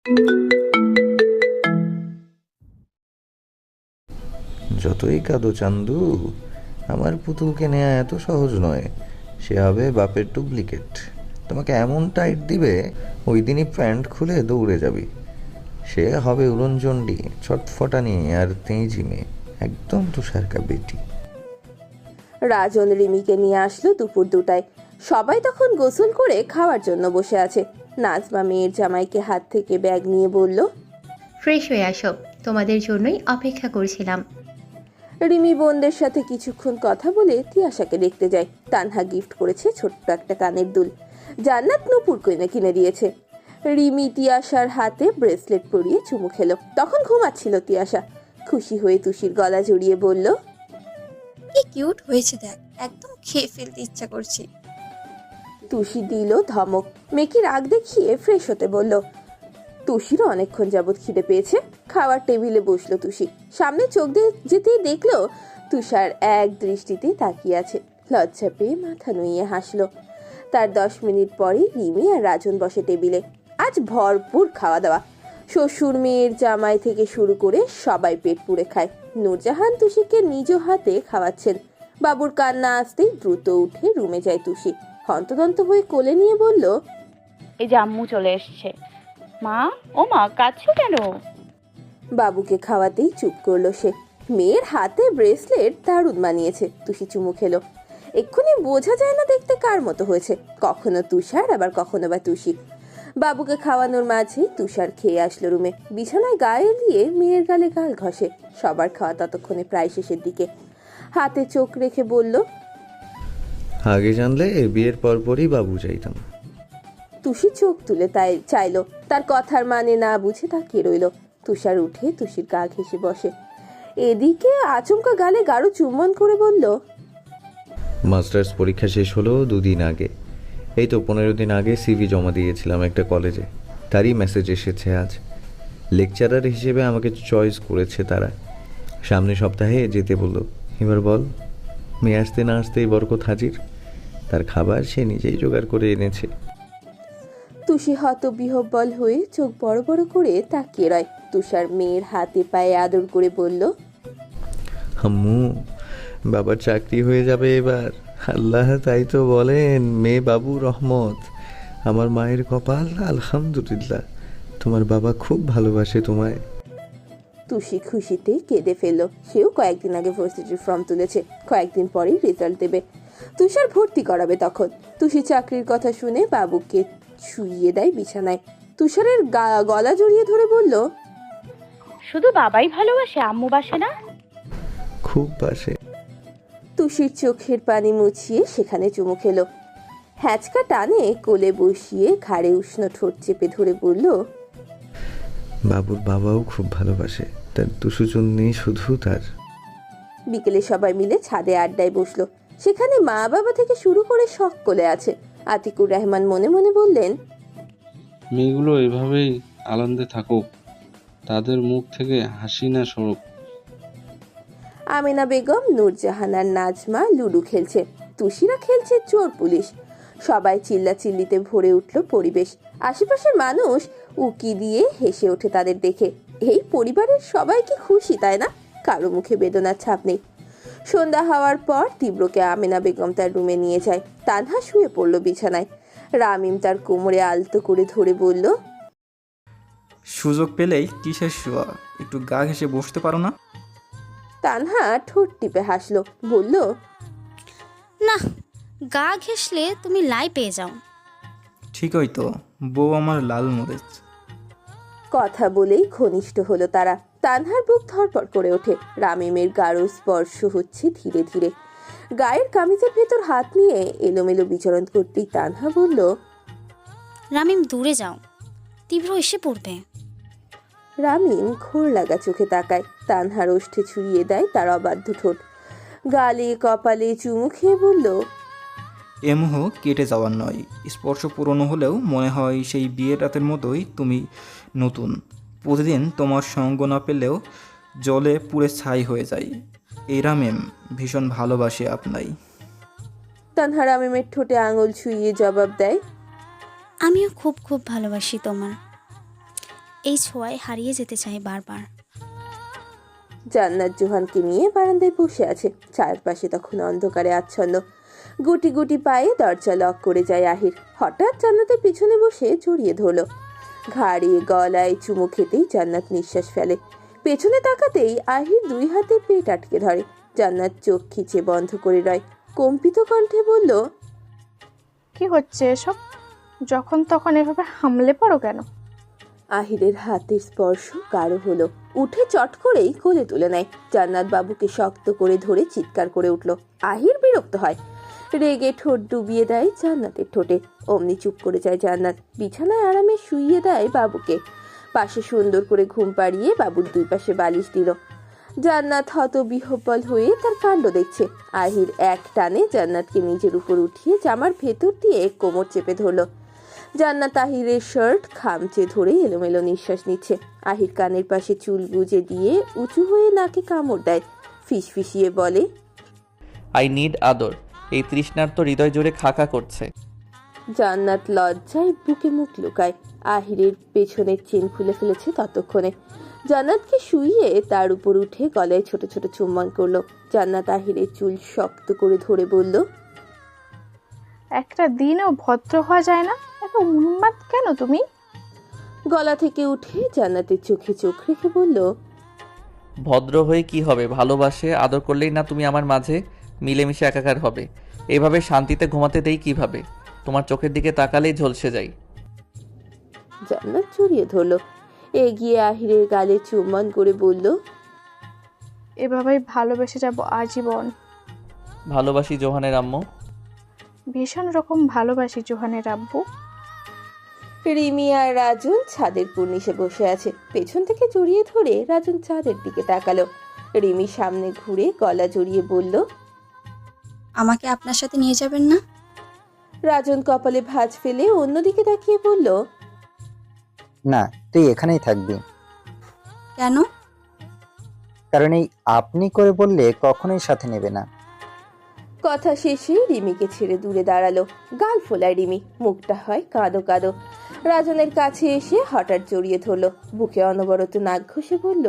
যতই কাঁদো চান্দু, আমার পুতুলকে নেওয়া এত সহজ নয়। সে হবে বাপের ডুপ্লিকেট। তোমাকে এমন টাইট দিবে, ওই দিনই প্যান্ট খুলে দৌড়ে যাবি। সে হবে উড়নচণ্ডী, ছটফটানি আর তেঁজি মেয়ে, একদম তুষারকা বেটি। রাজন রিমিকে নিয়ে আসলো দুপুর 2টায়। সবাই তখন গোসল করে খাওয়ার জন্য বসে আছে। নাজমা মেয়ের জামাইকে হাত থেকে ব্যাগ নিয়ে বলল, ফ্রেশ হয়ে আসো, তোমাদের জন্যই অপেক্ষা করছিলাম। রিমি বোনদের সাথে কিছুক্ষণ কথা বলে তিয়াশাকে দেখতে যায়। তানহা গিফট করেছে ছোট্ট একটা কানের দুল, জান্নাত নূপুর কিনে দিয়েছে। রিমি তিয়াশার হাতে ব্রেসলেট পরিয়ে চুমু খেলো। তখন ঘুমাচ্ছিল তিয়াশা। খুশি হয়ে তুষির গলা জড়িয়ে বলল, কি কিউট হয়েছে দেখ, একদম খেয়ে ফেলতে ইচ্ছা করছে। তুষি দিল ধমক। মেয়েকে রাগ দেখিয়ে ফ্রেশ হতে বলল। তুষিরও অনেকক্ষণ যাবৎ খিদে পেয়েছে। খাওয়ার টেবিলে বসলো তুষি। সামনে চোখ দিয়ে যেতেই দেখলো তুষার এক দৃষ্টিতে তাকিয়ে আছে। লজ্জা পেয়ে মাথা নুইয়ে হাসলো। তার 10 মিনিট পরে রিমি আর রাজন বসে টেবিলে। আজ ভরপুর খাওয়া দাওয়া। শ্বশুর মেয়ের জামাই থেকে শুরু করে সবাই পেট পুড়ে খায়। নূরজাহান তুষিকে নিজ হাতে খাওয়াচ্ছেন। বাবুর কান্না আসতেই দ্রুত উঠে রুমে যায় তুষি। হন্তদন্ত হয়ে কোলে নিয়ে বলল, এই যে আম্মু চলে এসছে। মা, ও মা, কাঁদছো কেন? বাবুকে খাওয়াতেই চুপ করলো সে। মেয়ের হাতে ব্রেসলেট দারুণ মানিয়েছে। তুষি চুমু খেলো। এক্ষুনি বোঝা যায় না দেখতে কার মতো হয়েছে, কখনো তুষার আবার কখনো বা তুষি। বাবুকে খাওয়ানোর মাঝে তুষার খেয়ে আসলো রুমে। বিছানায় গায়ে দিয়ে মেয়ের গালে গাল ঘষে। সবার খাওয়া ততক্ষণে প্রায় শেষের দিকে। হাতে চোখ রেখে বলল, আগে জানলে বিয়ের পরপরই বাবু চাইতাম। তুষি চোখ তুলে তাই চাইলো। তার কথার মানে না বুঝে তাকিয়ে রইল। তুষার উঠে তুষির গা ঘেঁষে বসে। এদিকে আচমকা গালে গাঢ় চুম্বন করে বলল, মাস্টার্স পরীক্ষা শেষ হলো 2 দিন আগে। এই তো 15 দিন আগে সিভি জমা দিয়েছিলাম একটা কলেজে। তারই মেসেজ এসেছে আজ। লেকচারার হিসেবে আমাকে চয়েস করেছে তারা। সামনের সপ্তাহে যেতে বললো। এবার বল, মেয়ে আসতে না আসতেই বরকত হাজির। তার খাবার সে নিজেই জোগাড় করে এনেছে। তুষি হতবিহ্বল হয়ে চোখ বড় বড় করে তাকিয়ে রয়। তুষার মেয়ের হাতে পায়ে আদর করে বলল, আম্মু, বাবার চাকরি হয়ে যাবে এবার। আল্লাহ তাই তো বলেন, মেয়ে বাবু রহমত। আমার মায়ের কপাল, আলহামদুলিল্লাহ। তোমার বাবা খুব ভালোবাসে তোমায়। তুষি খুশিতে কেঁদে ফেলল। সেও কয়েকদিন আগে ভার্সিটির ফর্ম তুলেছে। কয়েকদিন পরেই রেজাল্ট দেবে। তুষার ভর্তি করাবে তখন। তুষি চাকরির কথা শুনে বাবুকে শুইয়ে দেয় বিছানায়। তুষারের গলা জড়িয়ে ধরে বলল, শুধু বাবাই ভালোবাসে, আম্মু বাসে না? খুব বাসে। তুষির চোখের পানি মুছিয়ে সেখানে চুমু খেলো। হ্যাঁচকা টানে কোলে বসিয়ে ঘাড়ে উষ্ণ ঠোঁট চেপে ধরে বলল, বাবুর বাবাও খুব ভালোবাসে। তার দুসুচুন্নি শুধু তার। বিকেলে সবাই মিলে ছাদে আড্ডায় বসলো। সেখানে মা বাবা থেকে শুরু করে সকলে আছে। আতিকুর রহমান মনে মনে বললেন, মেয়েগুলো এভাবেই আনন্দে থাকুক, তাদের মুখ থেকে হাসি না সরুক। আমেনা বেগম, নূরজাহান আর নাজমা লুডো খেলছে। তুষিরা খেলছে চোর পুলিশ। সবাই চিল্লাচিল্লিতে ভরে উঠল পরিবেশ। আশেপাশের মানুষ উকি দিয়ে হেসে ওঠে তাদের দেখে। এই পরিবারের সবাই কি খুশি, তাই না? কারো মুখে বেদনার ছাপ নেই। সন্ধ্যা হওয়ার পর তীব্রকে আমেনা বেগম তার রুমে নিয়ে যায়। তানহা শুয়ে পড়ল বিছানায়। রামিম তার কোমরে আলতো করে ধরে বলল, সুযোগ পেলেই কিসের শোয়া, একটু গা ঘেঁষে বসতে পারো না? তানহা ঠোঁট টিপে হাসলো, বলল, না, গা ঘেঁষলে তুমি লাই পেয়ে যাও। ঠিকই তো, বউ আমার লাল মরিচ। কথা বলেই ঘনিষ্ঠ হলো তারা। তানহার বুক ধড়ফড় করে ওঠে। রামিমের গাঢ় স্পর্শ হচ্ছে ধীরে ধীরে। গায়ের কামিজের ভেতর হাত নিয়ে এলোমেলো বিচরণ করতেই তানহা বলল, রামিম দূরে যাও, তীব্র এসে পড়বে। রামিম ঘোর লাগা চোখে তাকায়। তানহার ওষ্ঠে ছুঁয়ে দেয় তার অবাধ্য ঠোঁট। গালে কপালে চুমু খেয়ে বলল, এ মোহ কেটে যাওয়ার নয়, স্পর্শ পুরনো হলেও মনে হয় সেই বিয়ের রাতের মতোই তুমি নতুন। প্রতিদিন তোমার সঙ্গ না পেলেও জলে পুড়ে ছাই হয়ে যায়। এই রামেম ভীষণ ভালোবাসে আপনাই। তানহা রামিমের ঠোঁটে আঙুল ছুঁয়ে জবাব দেয়, আমিও খুব খুব ভালোবাসি তোমার। এই ছোঁয়ায় হারিয়ে যেতে চাই বারবার। জান্নাত জোহানকে নিয়ে বারান্দায় বসে আছে, চারপাশে তখন অন্ধকারে আচ্ছন্ন। গুটি গুটি পায়ে দরজা লক করে যায় আহির। হঠাৎ জান্নাতের পিছনে বসে জড়িয়ে ধরলো, ঘাড়ে গলায় চুমু খেতেই জান্নাত নিঃশ্বাস ফেলে। পেছনে তাকাতেই আহির 2 হাতে পেট আটকে ধরে। জান্নাত চোখ খিচে বন্ধ করে রয়, কম্পিত কণ্ঠে বলল, কি হচ্ছে এসব? যখন তখন এভাবে হামলে পড়ো কেন? আহিরের হাতের স্পর্শ গাঢ় হলো, উঠে চট করেই কোলে তুলে নেয়। জান্নাত বাবুকে শক্ত করে ধরে চিৎকার করে উঠল। আহির বিরক্ত হয়, রেগে ঠোঁট ডুবিয়ে দেয় জান্নাতের ঠোঁটে। অমনি চুপ করে যায় জান্নাত, বিছানায় আরামে শুইয়ে দেয় বাবুকে। পাশে সুন্দর করে ঘুম পাড়িয়ে বাবুর 2 পাশে বালিশ দিল। জান্নাত হতবিহ্বল হয়ে তার কাণ্ড দেখছে। আহির এক টানে জান্নাতকে নিজের উপর উঠিয়ে জামার ভেতর দিয়ে কোমর চেপে ধরল। জান্নাত আহিরের শার্ট খামচে ধরে এলোমেলো নিঃশ্বাস নিচ্ছে। আহির কানের পাশে চুল গুজে দিয়ে উঁচু হয়ে নাকে কামড় দেয়, ফিসফিসিয়ে বলে, আই নিড আদর। এই তৃষ্ণার তো হৃদয় জুড়ে খাকা করছে। জান্নাত লজ্জায় বুকে মুখ লুকায়। আহিরের পেছনের চেন খুলে ফেলেছে ততক্ষণে। জান্নাতকে শুইয়ে তার উপর উঠে গলায় ছোট ছোট চুম্বন করলো। জান্নাত আহিরের চুল শক্ত করে ধরে বলল, একটা দিনও ভদ্র হওয়া যায় না? এত উন্মাদ কেন তুমি? গলা থেকে উঠে জান্নাতের চোখে চোখ রেখে বলল, ভদ্র হয়ে কি হবে? ভালোবাসে আদর করলেই না তুমি আমার মাঝে মিলেমিশে একাকার হবে? এভাবে শান্তিতে ঘুমাতে দেই কিভাবে? তোমার চোখের দিকে তাকালেই ঝলসে যাই। জান্নাত জড়িয়ে ধরলো, এগিয়ে আহিরের গালে চুম্বন করে বলল, এভাবেই ভালোবেসে যাব আজীবন। ভালোবাসি জোহানের আম্মু। ভীষণ রকম ভালোবাসি জোহানের আব্বু। রিমি আর রাজন ছাদের কর্নিশে বসে আছে। পেছন থেকে জড়িয়ে ধরে রাজন ছাদের দিকে তাকালো। রিমি সামনে ঘুরে গলা জড়িয়ে বলল, আমাকে আপনার সাথে নিয়ে যাবেন না? রাজন কপালে ভাঁজ ফেলে অন্যদিকে তাকিয়ে বলল, না, তুই এখানেই থাকবি। কেন? কারণ এই আপনি করে বললে কখনোই সাথে নেবে না। কথা শেষে রিমিকে ছেড়ে দূরে দাঁড়ালো। গাল ফোলায় রিমি, মুখটা হয় কাঁদো কাঁদো। রাজনের কাছে এসে হঠাৎ জড়িয়ে ধরলো, বুকে অনবরত নাক ঘষে বলল,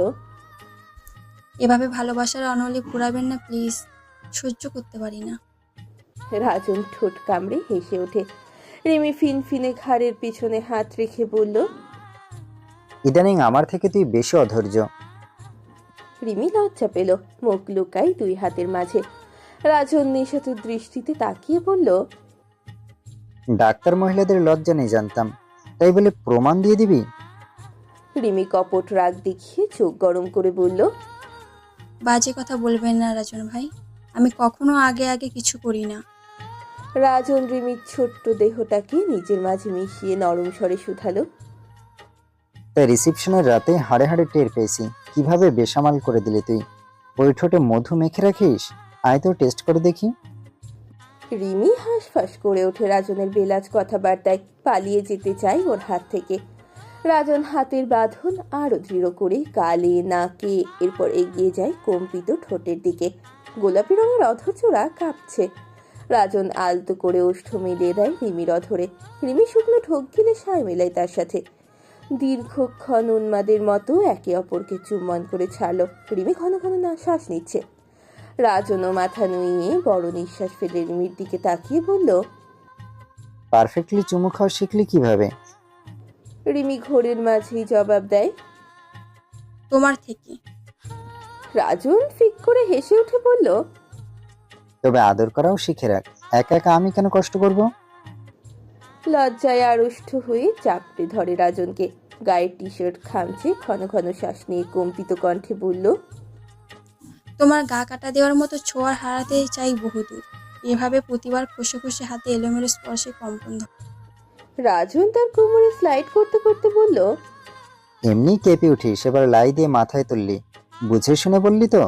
এভাবে ভালোবাসার অনলি পুরাবেন না প্লিজ, সহ্য করতে পারি না। রাজন ঠোঁট কামড়ে হেসে ওঠে। রিমি ফিনফিনে ঘাড়ের পিছনে হাত রেখে বলল, ইদানিং আমার থেকে তুই বেশি অধৈর্য। রিমি লজ্জা পেল, মুখ লুকাই 2 হাতের মাঝে। রাজন নিষেধ দৃষ্টিতে তাকিয়ে বলল, ডাক্তার মহিলাদের লজ্জা নেই জানতাম, তাই বলে প্রমাণ দিয়ে দিবি? রিমি কপট রাগ দেখিয়ে চোখ গরম করে বলল, বাজে কথা বলবেন না রাজন ভাই, আমি কখনো আগে আগে কিছু করি না। রাজন রিমির ছোট্ট দেহটাকে নিজের মাঝে মিশিয়ে নরম স্বরে শুধালো, তাই রিসেপশনের রাতে হাড়ে হাড়ে টের পেয়েছি কিভাবে বেসামাল করে দিলি তুই। ওই ঠোঁটে মধু মেখে রাখিস? আয় তো টেস্ট করে দেখি। রিমি হাঁসফাঁস করে ওঠে রাজনের বেলাজ কথাবার্তায়, পালিয়ে যেতে চায় ওর হাত থেকে। রাজন হাতের বাঁধন আরো দৃঢ় করে গালে নাকে এরপর এগিয়ে যায় কম্পিত ঠোঁটের দিকে। গোলাপি রঙের অধরচূড়া কাঁপছে। রাজন আলতো করে ওষ্ঠ মিলিয়ে দেয় রিমির অধরে। রিমি শুকনো ঠোক গিলে সায় মেলায় তার সাথে। দীর্ঘক্ষণ উন্মাদের মতো একে অপরকে চুম্বন করে ছাড়লো। রিমি ঘন ঘন শ্বাস নিচ্ছে। রাজনও মাথা নুইয়ে বড় নিঃশ্বাস ফেলে রিমির দিকে তাকিয়ে বলল, পারফেক্টলি চুমু খাওয়া শিখলি কিভাবে? রিমি ঘোরের মাঝেই জবাব দেয়, তোমার থেকে। রাজন ফিক করে হেসে উঠে বলল, তবে আদর করাও শিখে রাখ, একা একা আমি কেন কষ্ট করব? লজ্জায় আড়ষ্ট হয়ে চাপড়ে ধরে রাজনকে। গায়ের টি শার্ট খামচে ঘন ঘন শ্বাস নিয়ে কম্পিত কণ্ঠে বলল, তোমার গা কাটা দেওয়ার মতো ছোঁয়ার হারাতে চাই বহুদূর। এভাবে প্রতিবার খসে খসে হাতে এলোমেলো স্পর্শে কম্পন ধরে। রাজন তার কোমরে স্লাইড করতে করতে বলল, এমনি কেঁপে উঠিস, এবার লাই দিয়ে মাথায় তুললি। বুঝে শুনে বললি তো?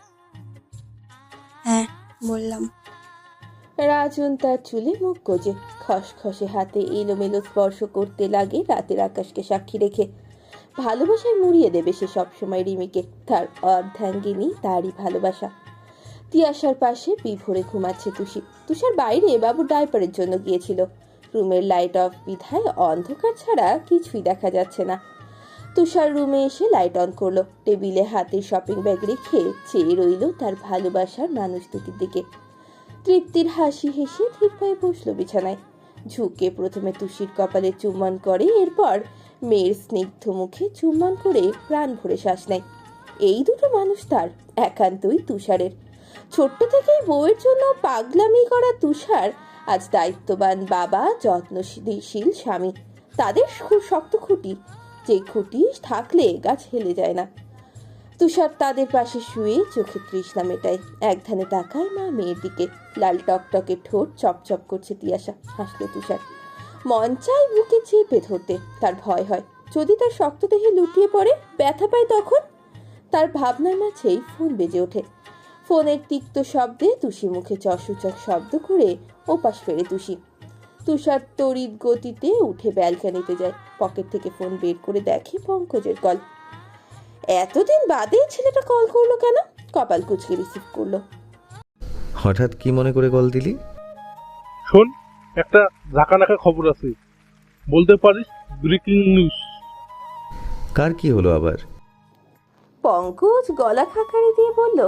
হ্যাঁ বললাম। রাজন তার চুলে মুখ গোজে খসখসে হাতে এলোমেলো স্পর্শ করতে লাগে রাতের আকাশকে সাক্ষী রেখে। ভালোবাসায় মুড়িয়ে দেবে সে সবসময় রিমিকে। তার অর্ধাঙ্গিনী তারই ভালোবাসা। তিয়াশার পাশে বিভোরে ঘুমাচ্ছে তুষি। তুষার বাইরে বাবুর ডাইপারের জন্য গিয়েছিল। রুমের লাইট অফ বিধায় অন্ধকার ছাড়া কিছুই দেখা যাচ্ছে না। তুষার রুমে এসে লাইট অন করলো। টেবিলে হাতে শপিং ব্যাগ রেখে চেয়ে রইল তার ভালোবাসার মানুষ দুটির দিকে। তৃপ্তির হাসি হেসে ধীর পায়ে বসলো বিছানায়। ঝুঁকে প্রথমে তুষির কপালে চুম্বন করে, এরপর মেয়ের স্নিগ্ধ মুখে চুম্বন করে প্রাণ ভরে শ্বাস নেয়। এই দুটো মানুষ তার, একান্তই তুষারের। ছোট্ট থেকেই বউয়ের জন্য পাগলামি করা তুষার আজ দায়িত্ববান বাবা, যত্নশীল স্বামী। তাদের খুব শক্ত খুঁটি, যে খুঁটি থাকলে গাছ হেলে যায় না। তুষার তাদের পাশে শুয়ে চোখে তৃষ্ণা মেটায়। এক ধ্যানে তাকায় মা মেয়ের দিকে। লাল টকটকে ঠোঁট চপচপ করছে তিয়াশা। হাসলো তুষার। মন চায় বুকে চেপে ধরতে, তার ভয় হয় যদি তার শক্ত দেহে লুটিয়ে পড়ে, ব্যথা পায় তখন। তার ভাবনার মাঝেই ফোন বেজে ওঠে। ফোনের তিক্ত শব্দে তুষি মুখে চসূচক শব্দ করে ওপাশ ফেরে তুষি। তুষার তড়িৎ গতিতে উঠে ব্যালকানিতে যায়। পকেট থেকে ফোন বের করে দেখে পঙ্কজের কল। এতদিন বাদে ছেলেটা কল করলো কেন? কপাল কুচকে রিসিভ করলো। হঠাৎ কি মনে করে কল দিলি? শোন, একটা ঝাঁকানাকা খবর আছে, বলতে পারিস? Breaking news. কার কি হলো আবার? পঙ্কজ গলা খাকারি দিয়ে বলল,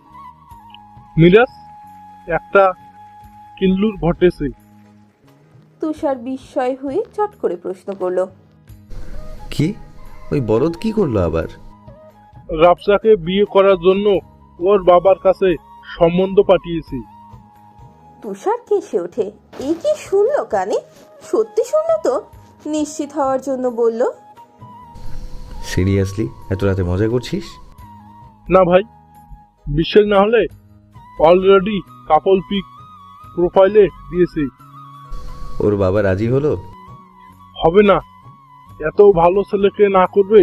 মিরাজ, একটা কিল্লুর ঘটেছে। তুষার বিস্ময় হয়ে চট করে প্রশ্ন করলো, কি? ওই বলদ কি করলো আবার? রাফসাকে বিয়ে করার জন্য ওর বাবার কাছে সম্বন্ধ পাঠিয়েছি। তুষার কেসে ওঠে। এই কি শুনলো কানে? সত্যি শুনলো তো? নিশ্চিত হওয়ার জন্য বলল, সিরিয়াসলি এত রাতে মজা করছিস? না ভাই, বিশ্বাস না হলে অলরেডি কাপল পিক প্রোফাইলে দিয়েছি। ওর বাবা রাজি হলো? হবে না, এত ভালো ছেলেকে না করবে?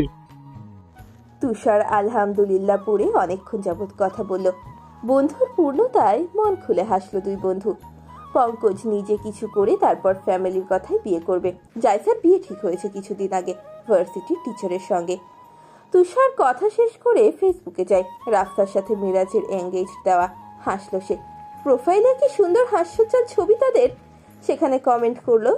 তুষার আলহামদুলিল্লাহ পড়ে অনেকক্ষণ যাবৎ কথা বলল। বন্ধুর পূর্ণতায় মন খুলে হাসলো দুই বন্ধু। পঙ্কজ নিজে কিছু করে তারপর ফ্যামিলির কথাই বিয়ে করবে। জায়সার বিয়ে ঠিক হয়েছে কিছুদিন আগে ভার্সিটির টিচারের সঙ্গে। তুষার কথা শেষ করে ফেসবুকে যায়। রাস্তার সাথে মিরাজের এঙ্গেজ দেওয়া। হাসলো সে। প্রোফাইলে কি সুন্দর হাস্যজ্জ্বল ছবি তাদের। সেখানে কমেন্ট করলো,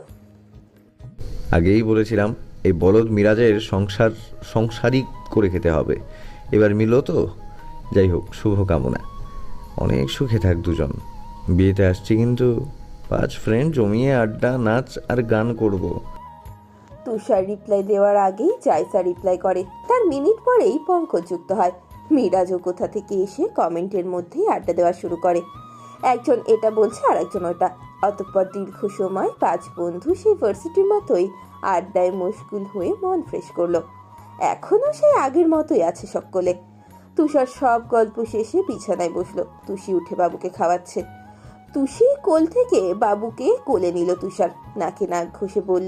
আগেই বলেছিলাম এই বলদ মিরাজের সংসারই করে খেতে হবে। এবার মিলো তো? যাই হোক, শুভকামনা। অনেক সুখে থাক দুজন। বিয়েতে আসছি কিন্তু 5 ফ্রেন্ড জমিয়ে আড্ডা, নাচ আর গান করব। তুষার রিপ্লাই দেওয়ার আগেই জায়সা রিপ্লাই করে। তার মিনিট পরেই পঙ্কজ যুক্ত হয়। মিরাজও কোথা থেকে এসে কমেন্টের মধ্যেই আড্ডা দেওয়া শুরু করে। একজন এটা বলছে আর একজন ওটা। অতঃপর দীর্ঘ সময় 5 বন্ধু সেই ভার্সিটির মতোই আড্ডায় মশগুল হয়ে মন ফ্রেশ করলো। এখনো সেই আগের মতোই আছে সকলে। তুষার সব গল্প শেষে বিছানায় বসলো। তুষি উঠে বাবুকে খাওয়াচ্ছে। তুষি কোল থেকে বাবুকে কোলে নিল তুষার। নাকে নাক ঘষে বলল,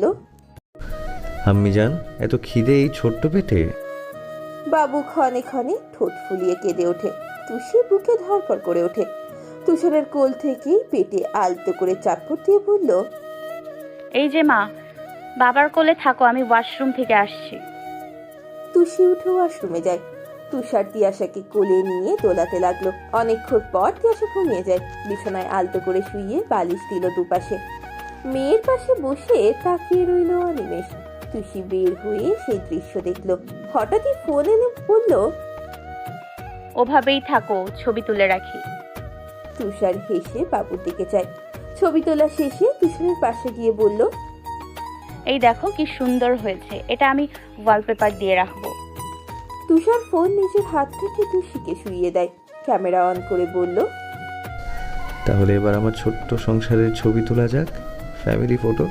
আম্মি জান, এত খিদে এই ছোট্ট পেটে? বাবু ক্ষণে ক্ষণে ঠোঁট ফুলিয়ে কেঁদে ওঠে। তুষি বুকে ধরপড় করে ওঠে। তুষারের কোল থেকেই পেটে আলতো করে চাপড় দিয়ে বলল, এই যে মা, বাবার কোলে থাকো, আমি ওয়াশরুম থেকে আসছি। তুষি উঠে ওয়াশরুমে যায়। তুষার তিয়াশাকে কোলে নিয়ে দোলাতে লাগলো। অনেকক্ষণ পর তিয়াশা ঘুমিয়ে যায়। বিছানায় আলতো করে শুইয়ে বালিশ দিল দুপাশে। মেয়ের পাশে বসে তাকিয়ে রইল অনিমেষ। তুষি বের হয়ে সেই দৃশ্য দেখলো। হঠাৎই ফোন এনে বলল, ওভাবেই থাকো, ছবি তুলে রাখি। তুষার হেসে বাবুর দিকে যায়। ছবি তোলা শেষে তুষারের পাশে গিয়ে বলল, এই দেখো কি সুন্দর হয়েছে, এটা আমি ওয়ালপেপার দিয়ে রাখবো। তুষার ফোন নিজের হাত থেকে তুষিকে শুইয়ে দেয়। ক্যামেরা অন করে বলল, তাহলে এবার আমার ছোট্ট সংসারের ছবি তোলা যাক, ফ্যামিলি ফটো।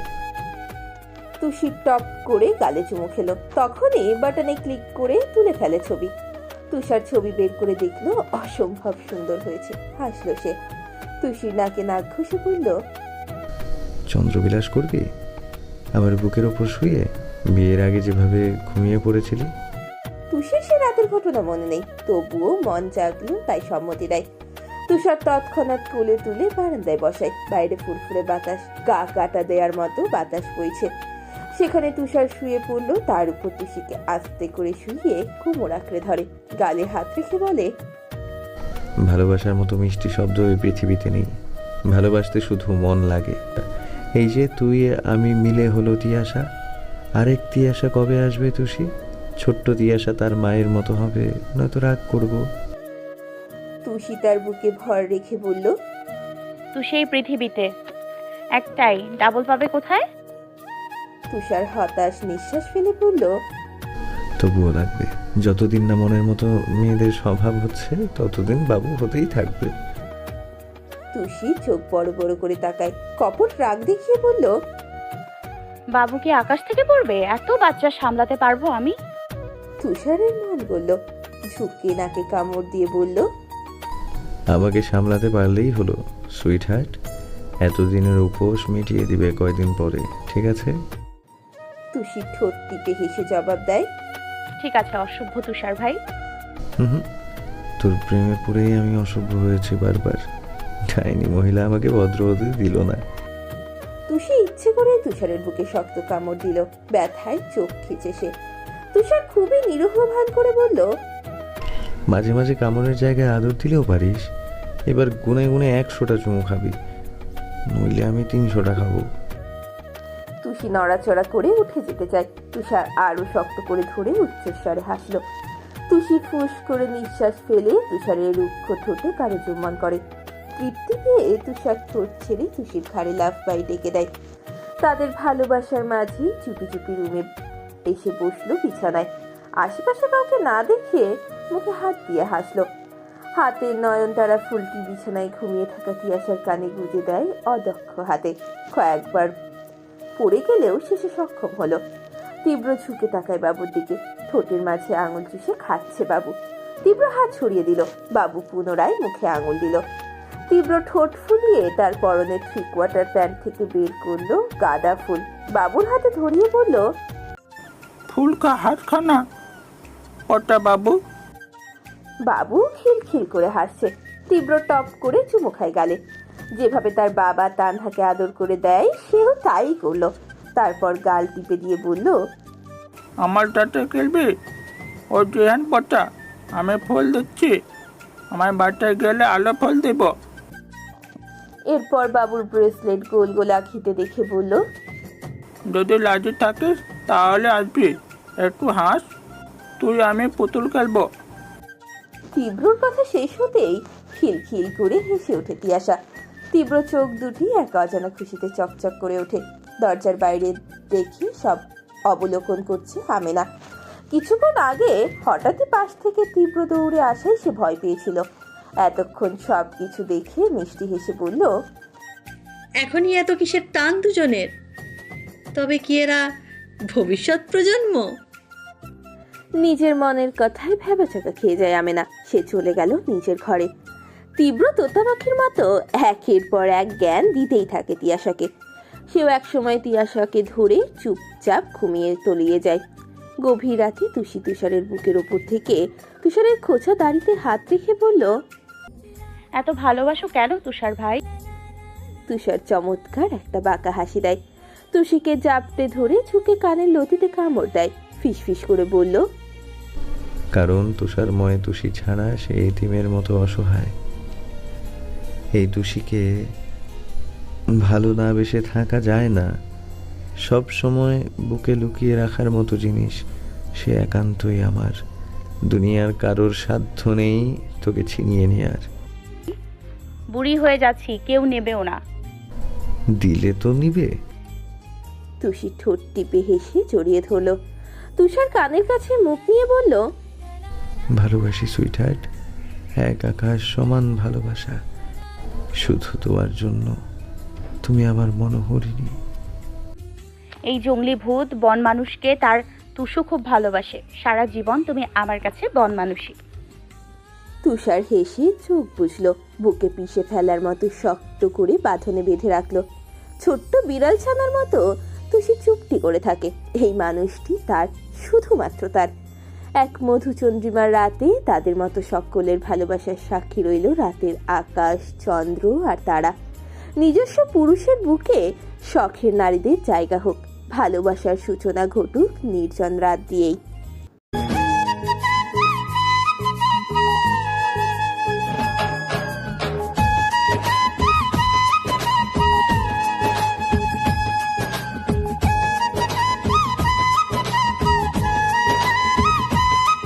তুষি টপ করে গালে চুমু খেলো। তখনই বাটনে ক্লিক করে তুলে ফেলে ছবি। তুষার ছবি বের করে দেখলো অসম্ভব সুন্দর হয়েছে। হাসলো সে। তুষির নাকে নাক ঘষে বলল, চন্দ্রবিলাস করবি আমার বুকের ওপর শুয়ে, বিয়ের আগে যেভাবে ঘুমিয়ে পড়েছিলি? তুষির সে রাতের ঘটনা মনে নেই, তবুও মন জাগলো তাই সম্মতি দেয়। তুষার তৎক্ষণাৎ কোলে তুলে বারান্দায় বসায়। বাইরে ফুরফুরে বাতাস, গা কাটা দেওয়ার মতো বাতাস বইছে। সেখানে তুষার শুয়ে পড়লো। তার উপর তুষিকে আস্তে করে শুয়ে কোমর আঁকড়ে ধরে। গালে হাত রেখে বলে, ভালোবাসার মতো মিষ্টি শব্দ এই পৃথিবীতে নেই। ভালোবাসতে শুধু মন লাগে। এই যে তুই আমি মিলে হলো তিয়াশা, আরেক তিয়াশা কবে আসবে তুষি? ছোট্ট তিয়াশা তার মায়ের মতো হবে, নয়তো রাগ করব। তুষি তার বুকে ভর রেখে বলল, তুই সেই পৃথিবীতে একটাই, ডাবল পাবে কোথায়? তুষার হতাশ নিঃশ্বাস ফেলে বলল, তবুও লাগবে। যতদিন না মনের মতো মেয়েদের স্বভাব হচ্ছে ততদিন বাবু হতেই থাকবে। তুষি চোখ বড় বড় করে তাকায়, কপট রাগ দেখিয়ে বলল, বাবু কি আকাশ থেকে পড়বে? এত বাচ্চা সামলাতে পারবো আমি? তুষারের মন বলল, ঝুঁকে নাকে কামড় দিয়ে বলল, আমাকে সামলাতে পারলেই হলো সুইট হার্ট। এতদিনের উপোস মিটিয়ে দিবে কয়দিন পরে, ঠিক আছে? তুষি ঠোঁট টিপে হেসে জবাব দেয়, ঠিক আছে অসভ্য তুষার ভাই। হুম, তোর প্রেমে পড়েই আমি অসভ্য হয়েছি বারবার। ডাইনি মহিলা আমাকে ভদ্র হতে দিল না। তুষি ইচ্ছে করে তুষারের বুকে শক্ত কামড় দিল, ব্যথায় চোখ খিচে সে। তুষার খুবই নিরীহ ভান করে বলল, মাঝে মাঝে কামড়ের জায়গায় আদর দিলেও পারিস। এবার গুনে গুনে 100টা চুমু খাবি, নইলে আমি 300টা খাবো। তুষি নড়াচড়া করে উঠে যেতে চায়। তুষার আরো শক্ত করে ধরে উচ্চস্বরে হাসলো। তুষি ফুস করে নিঃশ্বাস ফেলে তুষারের রুক্ষ ঠোঁটে কারো চুম্বন করে। তৃপ্তি পেয়ে তুষার ঠোঁট ছেড়ে তুষির ঘাড়ে লাফ বাই ডেকে দেয়। তাদের ভালোবাসার মাঝে চুপি চুপি রুমে এসে বসলো বিছানায়। আশেপাশে কাউকে না দেখে মুখে হাত দিয়ে হাসলো। হাতের নয়নতারা ফুলটি বিছানায় ঘুমিয়ে থাকা তিয়াশার কানে গুঁজে দেয় অদক্ষ হাতে। কয়েকবার পড়ে গেলেও শেষে সক্ষম হলো। তীব্র ঝুঁকে তাকায় বাবুর দিকে, ঠোঁটের মাঝে আঙুল চুষে খাচ্ছে বাবু। তীব্র হাত ছড়িয়ে দিল, বাবু পুনরায় মুখে আঙুল দিল। তীব্র ঠোঁট ফুলিয়ে তার পরনের 3/4 প্যান্ট থেকে বের করলো গাঁদা ফুল, বাবুর হাতে ধরিয়ে বলল, ফুল কা হাত খানা ওটা বাবু। বাবু খিলখিল করে হাসছে। তীব্র টপ করে চুমু খায় গালে। যেভাবে তার বাবা তানহাকে আদর করে দেয় সেও তাই করলো। তারপর গাল টিপে দিয়ে বলল, আমার তাতে খেলবি? ও জেহান পটা, আমি ফুল দিচ্ছি, আমার বাচ্চায় গেলে আলো ফুল দেব। এরপর বাবুর ব্রেসলেট গোল গোল আঁখিতে দেখে বলল, যদি লাজে থাকিস তাহলে আসবি, একটু হাস, তুই আমি পুতুল খেলবো। তীব্রর কথা শেষ হতেই খিলখিল করে হেসে ওঠে তিয়াশা। তীব্র চোখ দুটি এক অজানা খুশিতে চকচক করে ওঠে। দরজার বাইরে দেখি সব অবলোকন করছে আমেনা। কিছুক্ষণ আগে হঠাৎই পাশ থেকে তীব্র দৌড়ে আসায় সে ভয় পেয়েছিল। এতক্ষণ সব কিছু দেখে মিষ্টি হেসে বলল, এখনই এত কিসের টান দুজনের? তবে কি এরা ভবিষ্যৎ প্রজন্ম? নিজের মনের কথায় ভেবাচাকা খেয়ে যায় আমেনা। সে চলে গেল নিজের ঘরে। তীব্র তোতা পাখির মতো একের পর এক জ্ঞান দিতেই থাকে তিয়াশাকে। সেও একসময় তিয়াশাকে ধরে চুপচাপ ঘুমিয়ে তলিয়ে যায়। গভীর রাতে তুষি তুষারের বুকের ওপর থেকে তুষারের খোঁচা দাড়িতে হাত রেখে বলল, এত ভালোবাসো কেন তুষার ভাই? তুষার চমৎকার একটা বাঁকা হাসি দেয়। তুষিকে জাপটে ধরে ঝুঁকে কানের লতিতে কামড় দেয়। ফিসফিস করে বলল, কারণ তুষারময় তুষি ছাড়া সে এতিমের মতো অসহায়। এই তুষিকে ভালো না বেসে থাকা যায় না। সব সময় বুকে লুকিয়ে রাখার মতো জিনিস সে একান্তই আমার। দুনিয়ার কারোর সাধ্য নেই তোকে ছিনিয়ে নেয়ার। বুড়ি হয়ে যাচ্ছি, কেউ নেবেও না। দিলে তো নিবে। তুষি ঠোঁট টিপে হেসে জড়িয়ে ধরল। তুষার কানের কাছে মুখ নিয়ে বলল, ভালোবাসি সুইট হার্ট, এক আকাশ সমান ভালোবাসা, শুধু তোমার জন্য। তুমি আমার মনোহরিণী। এই জঙ্গলি ভূত বন মানুষকে তার তুষু খুব ভালোবাসে। সারা জীবন তুমি আমার কাছে বন মানুষই। তুষার হেসে চোখ বুঝলো, বুকে পিষে ফেলার মতো শক্ত করে বাঁধনে বেঁধে রাখলো। ছোট্ট বিড়াল ছানার মতো তুষি চুপটি করে থাকে। এই মানুষটি তার, শুধুমাত্র তার। এক মধুচন্দ্রিমার রাতে তাদের মতো সকলের ভালোবাসার সাক্ষী রইল রাতের আকাশ, চন্দ্র আর তারা। নিজস্ব পুরুষের বুকে শখের নারীদের জায়গা হোক। ভালোবাসার সূচনা ঘটুক নির্জন রাত দিয়েই।